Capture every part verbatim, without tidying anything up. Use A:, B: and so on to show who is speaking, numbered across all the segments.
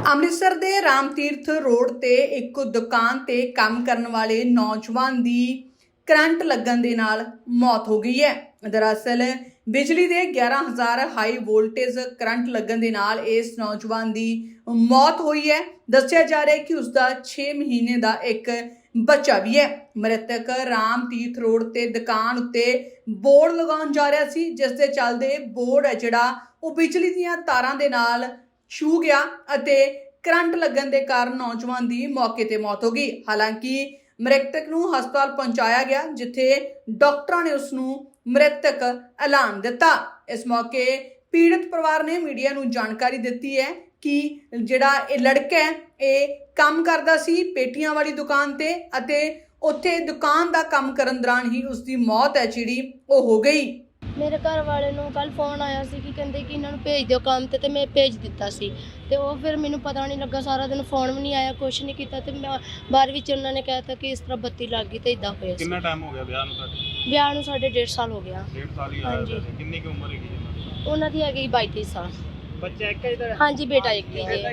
A: ਅੰਮ੍ਰਿਤਸਰ ਦੇ ਰਾਮਤੀਰਥ रोड ਤੇ ਇੱਕ ਦੁਕਾਨ ਤੇ ਕੰਮ ਕਰਨ ਵਾਲੇ ਨੌਜਵਾਨ ਦੀ करंट लगन दे नाल मौत हो गई है। दरअसल बिजली के ग्यारह हज़ार हाई वोल्टेज करंट लगन दे नाल इस नौजवान की मौत हुई है। दस्सिया जा रहा है कि उसका छे महीने का एक बच्चा भी है। मृतक राम तीर्थ रोड ते दुकान उत्ते बोर्ड लगाउण जा रहा सी, जिस दे चलदे बोर्ड है जिहड़ा वो बिजली दीयां तारां दे नाल छू गया अते करंट लगन दे कारण नौजवान की मौके ते मौत हो गई। हालांकि मृतक नूं हस्पताल पहुंचाया गया, जिथे डॉक्टरां ने उसनूं मृतक ऐलान दिता। इस मौके पीड़ित परिवार ने मीडिया नूं जानकारी दिती है कि जिहड़ा ये लड़का है ये काम करदा सी पेटियां वाली दुकान ते अते उत्थे दुकान दा काम करन दौरान ही उसकी मौत है जिहड़ी वो हो गई।
B: मेरे घर वाले नूं कल फोन आया सी कि कहंदे कि इन्हां नूं भेज दिओ काम ते ते मैं भेज दिता सी ते वो फिर मैनूं पता नहीं लगा, सारा दिन फोन भी नहीं आया, कुछ नहीं कीता ते बार विच उन्हां ने कहता कि इस तरह बत्ती लग गई ते इदां होया सी।
C: कितना टाइम हो गया ब्याह नूं तुहाडे?
B: ब्याह नूं साढ़े डेढ़ साल हो गया।
C: डेढ़ साल ही
B: हाँ
C: आया
B: जी।
C: वैसे कितनी की उम्र हैगी जी?
B: उन्हां दी हैगी बाईस तेईस साल।
C: बच्चा एक इधर?
B: हाँ जी, बेटा एक ही है,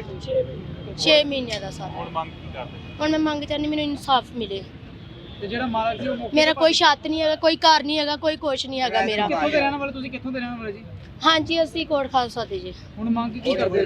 B: छे महीने दा सारा।
C: हुण मंग की करदे?
B: हुण मैं मंग चाहनी मैनूं इंसाफ मिले।
C: ਤੇ ਜਿਹੜਾ ਮਾਲਕ ਸੀ ਉਹ ਮੌਕੇ
B: मेरा कोई छत नहीं हैगा, कोई घर नहीं हैगा, कोई कुछ नहीं हैगा मेरा।
C: ਕਿੱਥੋਂ ਦੇ ਰਹਿਣ ਵਾਲੇ ਤੁਸੀਂ? ਕਿੱਥੋਂ ਦੇ ਰਹਿਣ ਵਾਲੇ ਜੀ?
B: हाँ जी, असीं कोट खालसा दे जी।
C: ਹੁਣ ਮੰਗ ਕੀ ਕਰਦੇ?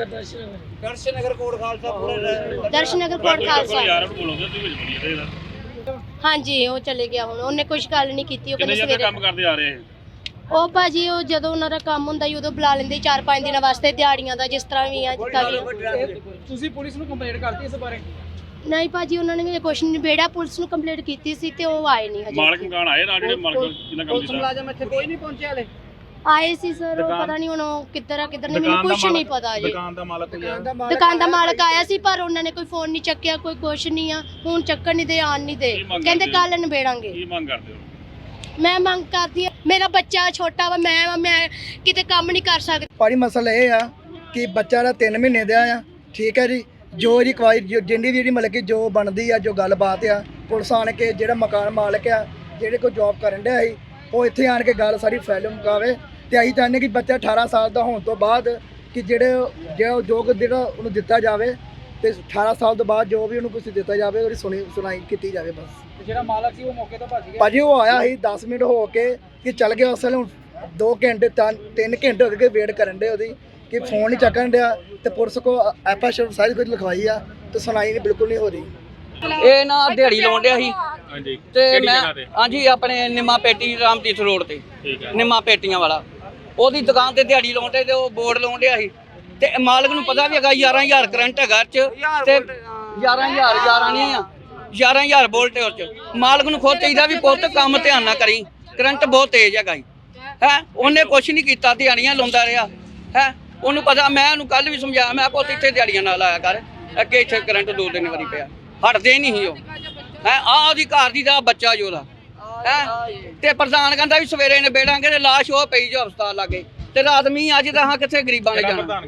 C: ਦਰਸ਼ਨ ਨਗਰ ਕੋਟ ਖਾਲਸਾ ਪੂਰਾ
B: दर्शन नगर कोट खालसा।
C: ਯਾਰ ਬੋਲੋਗੇ ਤੁਸੀਂ ਵਿੱਚ ਬੋਲੀਏ ਇਹਦਾ।
B: हाँ जी, वो चले गया हुण, उन्हें कुछ गल नहीं कीती।
C: ਕਿੰਨੇ ਜਣੇ ਕੰਮ ਕਰਦੇ ਆ ਰਹੇ?
B: ਉਹ ਭਾਜੀ ਉਹ ਜਦੋਂ ਉਹਨਾਂ ਦਾ ਕੰਮ ਹੁੰਦਾ ਸੀ ਉਦੋਂ ਬੁਲਾ ਲੈਂਦੇ ਚਾਰ ਪੰਜ ਦਿਨਾਂ ਵਾਸਤੇ ਦਿਹਾੜੀਆਂ ਦਾ, ਜਿਸ ਤਰ੍ਹਾਂ ਵੀ ਆ ਜਿੱਦਾਂ ਵੀ।
C: ਤੁਸੀਂ ਪੁਲਿਸ ਨੂੰ ਕੰਪਲੇਂਟ ਕਰਤੀ ਇਸ ਬਾਰੇ?
B: ਨਹੀਂ ਭਾਜੀ, ਉਹਨਾਂ ਨੇ ਕੁਛ ਨਹੀਂ ਨਿਬੇੜਿਆ, ਪੁਲਿਸ ਨੂੰ ਕੰਪਲੇਂਟ ਕੀਤੀ ਸੀ ਤੇ ਉਹ ਆਏ ਨਹੀਂ ਹਜੇ।
C: ਮਾਲਕ ਮਕਾਨ ਆਏ ਨਾਲ ਜਿਹੜੇ ਮਾਲਕ ਜਿਨ੍ਹਾਂ ਕੰਮ ਕੀਤਾ? ਮੁਲਾਜ਼ਮ ਇੱਥੇ ਕੋਈ ਨਹੀਂ ਪਹੁੰਚਿਆ ਹਲੇ?
B: ਆਏ ਸੀ ਸਰ, ਉਹ ਪਤਾ ਨਹੀਂ ਹੁਣ ਉਹ ਕਿੱਧਰ ਆ ਕਿੱਧਰ ਨਹੀਂ, ਮੈਨੂੰ ਕੁਛ ਨਹੀਂ ਪਤਾ ਜੀ।
C: ਦੁਕਾਨ ਦਾ ਮਾਲਕ
B: ਦੁਕਾਨ ਦਾ ਮਾਲਕ ਆਇਆ ਸੀ ਪਰ ਉਹਨਾਂ ਨੇ ਕੋਈ ਫੋਨ ਨਹੀਂ ਚੱਕਿਆ, ਕੋਈ ਕੁਛ ਨਹੀਂ ਆ। ਹੁਣ ਚੱਕਣ ਨਹੀਂ ਦੇ, ਆਣ ਨਹੀਂ ਦੇ, ਕਹਿੰਦੇ ਕੱਲ ਨਿਬੇੜਾਂਗੇ।
C: ਕੀ ਮੰਗ ਕਰਦੇ ਹੋ?
B: ਮੈਂ ਮੰਗ ਕਰਦੀ ਆ, ਮੇਰਾ ਬੱਚਾ ਛੋਟਾ ਵਾ, ਮੈਂ ਮੈਂ ਕਿਤੇ ਕੰਮ ਨਹੀਂ ਕਰ ਸਕਦੀ।
D: ਭਾਜੀ ਮਸਲਾ ਇਹ ਆ ਕਿ ਬੱਚਾ ਦਾ ਤਿੰਨ ਮਹੀਨੇ ਦਾ ਆ, ਠੀਕ ਹੈ ਜੀ। ਜੋ ਇਹਦੀ ਕਵਾਈ ਜਿੰਨੀ ਵੀ ਜਿਹੜੀ ਮਤਲਬ ਕਿ ਜੋ ਬਣਦੀ ਆ, ਜੋ ਗੱਲਬਾਤ ਆ, ਪੁਲਿਸ ਆਣ ਕੇ ਜਿਹੜਾ ਮਕਾਨ ਮਾਲਕ ਆ ਜਿਹੜੇ ਕੋਈ ਜੌਬ ਕਰਨ ਡਿਆ ਸੀ ਉਹ ਇੱਥੇ ਆਣ ਕੇ ਗੱਲ ਸਾਰੀ ਫੈਲ ਮੁਕਾਵੇ। ਤੇ ਅਸੀਂ ਚਾਹੁੰਦੇ ਕਿ ਬੱਚਾ ਅਠਾਰਾਂ ਸਾਲ ਦਾ ਹੋਣ ਤੋਂ ਬਾਅਦ ਕਿ ਜਿਹੜੇ ਜੋ ਜੋ ਜਿਹੜਾ ਉਹਨੂੰ ਦਿੱਤਾ ਜਾਵੇ ਤੇ ਅਠਾਰਾਂ ਸਾਲ ਤੋਂ ਬਾਅਦ ਜੋ ਵੀ ਉਹਨੂੰ ਕੁਝ ਦਿੱਤਾ ਜਾਵੇ ਉਹਦੀ ਸੁਣੀ ਸੁਣਾਈ ਕੀਤੀ ਜਾਵੇ ਬਸ।
C: ਜਿਹੜਾ ਮਾਲਕ ਸੀ ਉਹ ਮੌਕੇ ਤੋਂ ਭੱਜ ਗਿਆ?
D: ਭਾਜੀ ਉਹ ਆਇਆ ਸੀ ਦਸ ਮਿੰਟ ਹੋ ਕੇ ਕਿ ਚੱਲ ਗਿਆ, ਉਸ ਵੇਲੇ ਹੁਣ ਦੋ ਘੰਟੇ ਤਿੰਨ ਘੰਟੇ ਹੋ ਗਏ ਵੇਟ ਕਰਨ ਦੇ ਉਹਦੀ ਕਿ ਫੋਨ ਨਹੀਂ ਚੱਕਣ ਡਿਆ ਤੇ ਪੁਲਿਸ ਕੋ ਐਫ ਸ਼ਰ ਸਾਰੀ ਕੁਝ ਲਿਖਵਾਈ ਆ ਤੇ ਸੁਣਾਈ ਨਹੀਂ ਬਿਲਕੁਲ ਨਹੀਂ ਹੋ ਰਹੀ।
E: ਇਹ ਨਾ ਦਿਹਾੜੀ ਲਾਉਣ ਡਿਆ ਸੀ
C: ਹਾਂਜੀ
E: ਤੇ ਮੈਂ ਹਾਂਜੀ ਆਪਣੇ ਨਿੰਮਾ ਪੇਟੀ ਰਾਮਤੀਰਥ ਰੋਡ ਤੇ
C: ਠੀਕ ਹੈ
E: ਨਿੰਮਾ ਪੇਟੀਆਂ ਵਾਲਾ ਉਹਦੀ ਦੁਕਾਨ ਤੇ ਦਿਹਾੜੀ ਲਾਉਣ ਤੇ ਉਹ ਬੋਰਡ ਲਾਉਣ ਡਿਆ ਸੀ ਤੇ ਮਾਲਕ ਨੂੰ ਪਤਾ ਵੀ ਹੈਗਾ ਗਿਆਰਾਂ ਹਜ਼ਾਰ ਕਰੰਟ ਹੈਗਾ ਚ ਤੇ ਗਿਆਰਾਂ ਹਜ਼ਾਰ ਗਿਆਰਾਂ ਨਹੀਂ ਆ ਗਿਆਰਾਂ ਹਜ਼ਾਰ ਵੋਲਟ ਉਸ ਚ। ਮਾਲਕ ਨੂੰ ਖੁਦ ਚਾਹੀਦਾ ਵੀ ਪੁੱਤ ਕੰਮ ਧਿਆਨ ਨਾਲ ਕਰੀ, ਕਰੰਟ ਬਹੁਤ ਤੇਜ਼ ਹੈਗਾ ਜੀ ਹੈ। ਉਹਨੇ ਕੁਛ ਨਹੀਂ ਕੀਤਾ, ਦਿਹਾੜੀਆਂ ਲਾਉਂਦਾ ਰਿਹਾ ਹੈ। ਉਹਨੂੰ ਪਤਾ, ਮੈਂ ਉਹਨੂੰ ਕੱਲ ਵੀ ਸਮਝਾਇਆ, ਮੈਂ ਪੁੱਤ ਇੱਥੇ ਦਿਹਾੜੀਆਂ ਨਾਲ ਲਾਇਆ ਕਰ, ਅੱਗੇ ਇੱਥੇ ਕਰੰਟ ਦੋ ਤਿੰਨ ਵਾਰੀ ਪਿਆ, ਹਟਦੇ ਨਹੀਂ ਸੀ ਉਹ ਹੈ। ਆਹ ਉਹਦੀ ਘਰ ਦੀ ਦਾ ਬੱਚਾ ਜੋ ਉਹਦਾ ਹੈ ਤੇ ਪ੍ਰਧਾਨ ਕਹਿੰਦਾ ਵੀ ਸਵੇਰੇ ਨਿਬੇੜਾਂਗੇ ਤੇ ਲਾਸ਼ ਉਹ ਪਈ ਜੋ ਹਸਪਤਾਲ ਲਾਗੇ ਤੇ ਰਾਤ ਮੀਂਹ ਅੱਜ ਤਾਂ ਹਾਂ ਕਿੱਥੇ ਗਰੀਬਾਂ ਨੇ ਜਾਣਾ।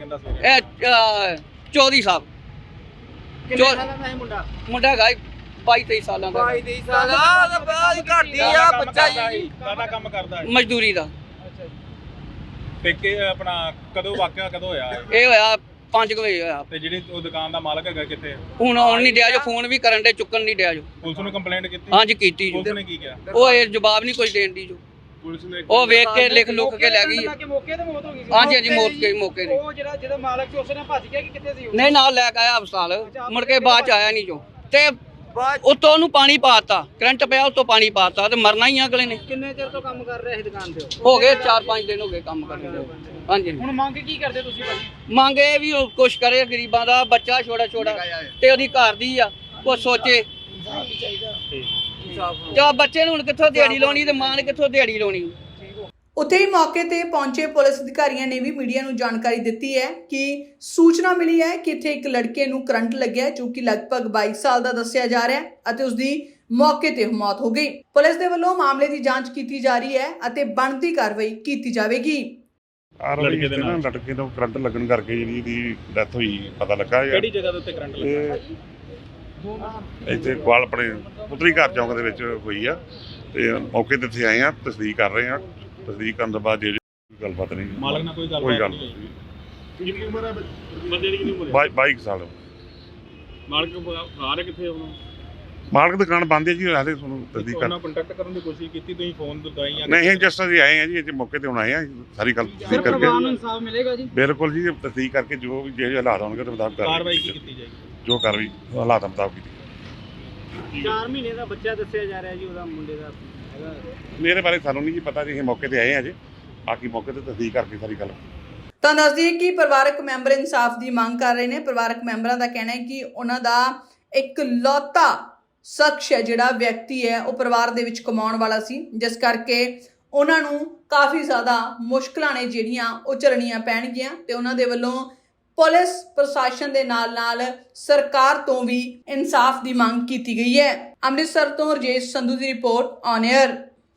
E: ਇਹ ਚੌਧਰੀ ਸਾਹਿਬ ਮੁੰਡਾ ਹੈਗਾ ਬਾਈ ਤੇਈ ਸਾਲਾਂ ਦਾ।
F: ਬਾਈ ਤੇਈ ਸਾਲ ਆ ਬਾਅਦ ਘੱਟ ਆ ਬੱਚਾ ਜੀ।
C: ਕਾਹਦਾ ਕੰਮ ਕਰਦਾ ਹੈ?
E: ਮਜ਼ਦੂਰੀ ਦਾ।
C: ਤੇ ਕਿ ਆਪਣਾ ਕਦੋਂ ਵਾਕਿਆ ਕਦੋਂ ਹੋਇਆ
E: ਇਹ ਹੋਇਆ ਪੰਜ ਕੁ ਵਜੇ ਹੋਇਆ।
C: ਤੇ ਜਿਹੜੀ ਉਹ ਦੁਕਾਨ ਦਾ ਮਾਲਕ ਹੈਗਾ ਕਿੱਥੇ?
E: ਹੁਣ ਆਉਣ ਨਹੀਂ ਡਿਆ ਜੋ, ਫੋਨ ਵੀ ਕਰਨ ਦੇ, ਚੁੱਕਣ ਨਹੀਂ ਡਿਆ ਜੋ।
C: ਪੁਲਿਸ ਨੂੰ ਕੰਪਲੇਂਟ ਕੀਤੀ?
E: ਹਾਂਜੀ ਕੀਤੀ ਜੋ।
C: ਪੁਲਿਸ ਨੇ ਕੀ ਕਿਹਾ?
E: ਉਹ ਇਹ ਜਵਾਬ ਨਹੀਂ ਕੁਝ ਦੇਣ ਦੀ ਜੋ।
C: ਪੁਲਿਸ ਨੇ
E: ਉਹ ਵੇਖ ਕੇ ਲਿਖ ਲੁੱਕ ਕੇ ਲੈ ਗਈ।
F: ਮੌਕੇ ਤੇ ਮੌਤ ਹੋ ਗਈ ਸੀ?
E: ਹਾਂਜੀ ਹਾਂਜੀ ਮੌਤ ਕੇ ਮੌਕੇ ਦੀ।
F: ਉਹ ਜਿਹੜਾ ਜਿਹਦਾ ਮਾਲਕ ਸੀ ਉਸਨੇ ਭੱਜ ਗਿਆ ਕਿ ਕਿੱਥੇ ਸੀ ਉਹ?
E: ਨਹੀਂ ਨਾਲ ਲੈ ਕੇ ਆਇਆ ਹਸਪਤਾਲ, ਮੁੜ ਕੇ ਬਾਅਦ ਚ ਆਇਆ ਨਹੀਂ ਜੋ। ਤੇ ਉੱਤੋਂ ਉਹਨੂੰ ਪਾਣੀ ਪਾਤਾ, ਕਰੰਟ ਪਿਆ ਉੱਤੋਂ ਪਾਣੀ ਪਾਤਾ ਤੇ ਮਰਨਾ ਹੀ ਆ ਅਗਲੇ ਨੇ।
F: ਕਿੰਨੇ ਚਿਰ ਤੋਂ ਕੰਮ ਕਰ ਰਿਹਾ ਸੀ ਦੁਕਾਨ ਤੇ?
E: ਹੋ ਗਏ ਚਾਰ ਪੰਜ ਦਿਨ ਹੋ ਗਏ ਕੰਮ ਕਰਦੇ। ਹਾਂਜੀ
F: ਹੁਣ ਮੰਗ ਕੀ ਕਰਦੇ ਤੁਸੀਂ ਭਾਜੀ?
E: ਮੰਗ ਇਹ ਵੀ ਉਹ ਕੁਛ ਕਰੇ, ਗਰੀਬਾਂ ਦਾ ਬੱਚਾ ਛੋਟਾ ਛੋਟਾ ਤੇ ਉਹਦੀ ਘਰ ਦੀ ਆ, ਕੁਛ ਸੋਚੇ। ਤੇ ਬੱਚੇ ਨੂੰ ਹੁਣ ਕਿੱਥੋਂ ਦਿਹਾੜੀ ਲਾਉਣੀ ਤੇ ਮਾਂ ਨੇ ਕਿੱਥੋਂ ਦਿਹਾੜੀ ਲਾਉਣੀ।
A: ਉੱਥੇ ਹੀ ਮੌਕੇ ਤੇ ਪਹੁੰਚੇ ਪੁਲਿਸ ਅਧਿਕਾਰੀਆਂ ਨੇ ਵੀ ਮੀਡੀਆ ਨੂੰ ਜਾਣਕਾਰੀ ਦਿੱਤੀ ਹੈ ਕਿ ਸੂਚਨਾ ਮਿਲੀ ਹੈ ਕਿ ਇੱਥੇ ਇੱਕ ਲੜਕੇ ਨੂੰ ਕਰੰਟ ਲੱਗਿਆ ਜੋ ਕਿ ਲਗਭਗ ਬਾਈ ਸਾਲ ਦਾ ਦੱਸਿਆ ਜਾ ਰਿਹਾ ਹੈ ਅਤੇ ਉਸ ਦੀ ਮੌਕੇ ਤੇ ਮੌਤ ਹੋ ਗਈ। ਪੁਲਿਸ ਦੇ ਵੱਲੋਂ ਮਾਮਲੇ ਦੀ ਜਾਂਚ ਕੀਤੀ ਜਾ ਰਹੀ ਹੈ ਅਤੇ ਬਣਦੀ ਕਾਰਵਾਈ ਕੀਤੀ ਜਾਵੇਗੀ।
G: ਲੜਕੇ ਦੇ ਨਾਲ ਲੜਕੇ ਨੂੰ ਕਰੰਟ ਲੱਗਣ ਕਰਕੇ ਜਿਹੜੀ ਇਹਦੀ ਡੈਥ ਹੋਈ ਪਤਾ ਲੱਗਾ।
C: ਕਿਹੜੀ ਜਗ੍ਹਾ ਦੇ ਉੱਤੇ ਕਰੰਟ ਲੱਗਾ?
G: ਇੱਥੇ ਕੋਲ ਆਪਣੇ ਪੁੱਤਰੀ ਘਰ ਚੌਂਕ ਦੇ ਵਿੱਚ ਹੋਈ ਆ ਤੇ ਮੌਕੇ ਤੇ ਇੱਥੇ ਆਏ ਆ, ਤਸਦੀਕ ਕਰ ਰਹੇ ਆ। ਤਸਦੀਕ ਕਰਨ ਤੋਂ ਬਾਅਦ ਜਿਹੜੀ ਗੱਲਬਾਤ ਨਹੀਂ,
C: ਮਾਲਕ ਨਾਲ ਕੋਈ ਗੱਲ
G: ਕੋਈ ਗੱਲ ਨਹੀਂ।
H: ਕਿੰਨੀ ਉਮਰ ਹੈ ਬੰਦੇ ਦੀ ਕਿੰਨੀ ਉਮਰ ਹੈ?
G: ਬਾਈ ਬਾਈ ਕੁ ਸਾਲ
H: ਮਾਲਕ ਫਰਾਰ ਹੈ ਕਿੱਥੇ ਉਹਨਾਂ
G: ਮਾਲਕ ਦੁਕਾਨ ਬੰਦ ਹੈ ਜੀ ਹਾਲੇ ਤੁਹਾਨੂੰ ਤਸਦੀਕ ਕਰ
H: ਉਹਨਾਂ ਕੰਟੈਕਟ ਕਰਨ ਦੀ ਕੋਸ਼ਿਸ਼ ਕੀਤੀ ਤੁਸੀਂ ਫੋਨ ਦਵਾਈਆਂ
G: ਨਹੀਂ ਜਸਟ ਅਸੀਂ ਆਏ ਆ ਜੀ ਇੱਥੇ ਮੌਕੇ ਤੇ ਹੁਣ ਆਏ ਆ ਸਾਰੀ ਗੱਲ ਤਸਦੀਕ ਕਰਕੇ
F: ਇਨਸਾਫ ਮਿਲੇਗਾ ਜੀ।
G: ਬਿਲਕੁਲ ਜੀ ਤਸਦੀਕ ਕਰਕੇ ਜੋ ਵੀ ਜਿਹੜੇ ਹਾਲਾਤ ਹੋਣਗੇ ਉਹਦੇ ਮੁਤਾਬਕ
H: ਕਾਰਵਾਈ
G: ਕਾਰਵਾਈ
H: ਕੀ ਕੀਤੀ ਜਾਏਗੀ?
G: ਜੋ ਕਾਰਵਾਈ ਹਾਲਾਤਾਂ ਮੁਤਾਬਕ ਕੀਤੀ
F: ਚਾਰ ਮਹੀਨੇ ਦਾ ਬੱਚਾ ਦੱਸਿਆ ਜਾ ਰਿਹਾ ਜੀ ਉਹਦਾ ਮੁੰਡੇ ਦਾ ਹੈਗਾ।
G: ਮੇਰੇ ਬਾਰੇ ਸਾਨੂੰ ਨਹੀਂ ਜੀ ਪਤਾ ਜੀ ਅਸੀਂ ਮੌਕੇ ਤੇ ਆਏ ਆ ਜੀ ਬਾਕੀ ਮੌਕੇ ਤੇ ਤਸਦੀਕ ਕਰਕੇ ਸਾਰੀ ਗੱਲ
A: ਤਾਂ ਦੱਸ ਦਈਏ ਕਿ ਪਰਿਵਾਰਕ ਮੈਂਬਰ ਇਨਸਾਫ ਦੀ ਮੰਗ ਕਰ ਰਹੇ ਨੇ। ਪਰਿਵਾਰਕ ਮੈਂਬਰਾਂ ਦਾ ਕਹਿਣਾ ਹੈ ਕਿ ਉਹਨਾਂ ਦਾ ਇੱਕ ਲੌਤਾ ਸ਼ਖਸ ਹੈ ਜਿਹੜਾ ਵਿਅਕਤੀ ਹੈ ਉਹ ਪਰਿਵਾਰ ਦੇ ਵਿੱਚ ਕਮਾਉਣ ਵਾਲਾ ਸੀ, ਜਿਸ ਕਰਕੇ ਉਹਨਾਂ ਨੂੰ ਕਾਫੀ ਜ਼ਿਆਦਾ ਮੁਸ਼ਕਲਾਂ ਨੇ ਜਿਹੜੀਆਂ ਉਹ ਝੱਲਣੀਆਂ ਪੈਣਗੀਆਂ ਤੇ ਉਹਨਾਂ ਦੇ ਵੱਲੋਂ ਪੁਲਿਸ ਪ੍ਰਸ਼ਾਸਨ ਦੇ ਨਾਲ ਨਾਲ ਸਰਕਾਰ ਤੋਂ ਵੀ ਇਨਸਾਫ ਦੀ ਮੰਗ ਕੀਤੀ ਗਈ ਹੈ। ਅੰਮ੍ਰਿਤਸਰ ਤੋਂ ਰਜੇਸ਼ ਸੰਧੂ ਦੀ ਰਿਪੋਰਟ ਔਨ 에ਅਰ।